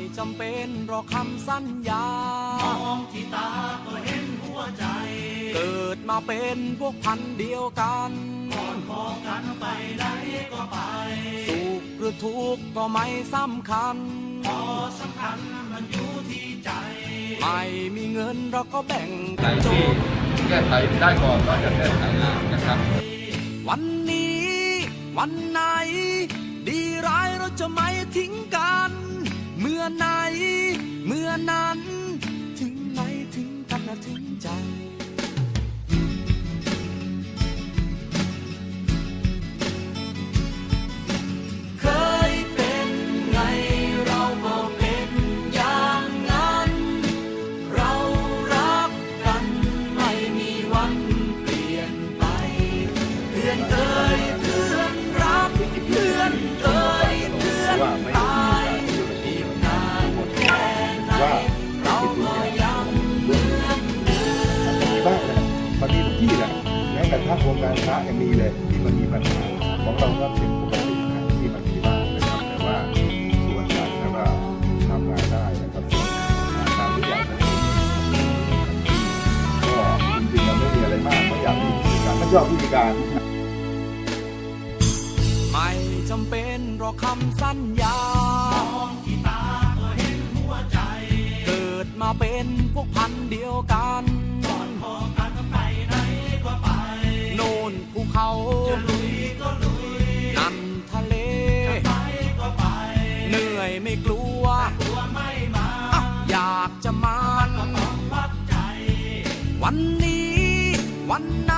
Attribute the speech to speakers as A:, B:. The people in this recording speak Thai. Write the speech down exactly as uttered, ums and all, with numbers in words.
A: จำเป็นหรอกคำสัญญาม
B: องที่ตาก็เห็นหัวใจ
A: เกิดมาเป็นพวกพันเดียวกัน
B: ก่อนพอกันไปไหนก็ไป
A: สุขหรือทุกข์ก็ไม่สำคัญ
B: พอสำคัญมันอยู่ที่ใจ
A: ไม่มีเงินเราก็แบ่ง
C: ไหนที่แก้ไขได้ก่อนก็จะแก้ไขนะครับ
A: วันนี้วันไหนดีร้ายเราจะไม่ทิ้งกันเมื่อไหนเมื่อนั้นถึงไหนถึงกันนะถึงใจเคยเป็นไงเราก็เป็นอย่างนั้นเรารักกันไม่มีวันเปลี่ยนไปเพื่อนเอ่ยเพื่อนรักเพื่อนเอ่ยเพื่อนตายอีกนานแค่ไหนเราก็ยังเหมือนเดิม
D: มีบ้างนะมันมีทุกที่แหละแม้กระทั่งวงการพระยังมีเลยที่มันมีปัญหาของเราก็เป็นปกตินะที่มันมีบ้างนะครับแต่ว่าส่วนใหญ่แล้วก็ทำงานได้นะครับตามทุกอย่างก็จริงๆเราไม่มีอะไรมากไม่อยากมีวิธีการไม่ชอบวิธีการ
A: ไม่จำเป็นหรอกคำสัญญาม
B: องที่ตาก็เห็นหัวใจ
A: เกิดมาเป็นพวกพันเดียวกัน
B: ก่อนพอกันไปไหนก็ไป
A: โน่นภูเขา
B: จะลุยก็ลุย
A: นั่นทะเล
B: จะไปก็ไป
A: เหนื่อยไม่กลัว
B: กลัวไม่มา
A: อยากจะมา
B: ก็ต้องวัดใจ
A: วันนี้วัน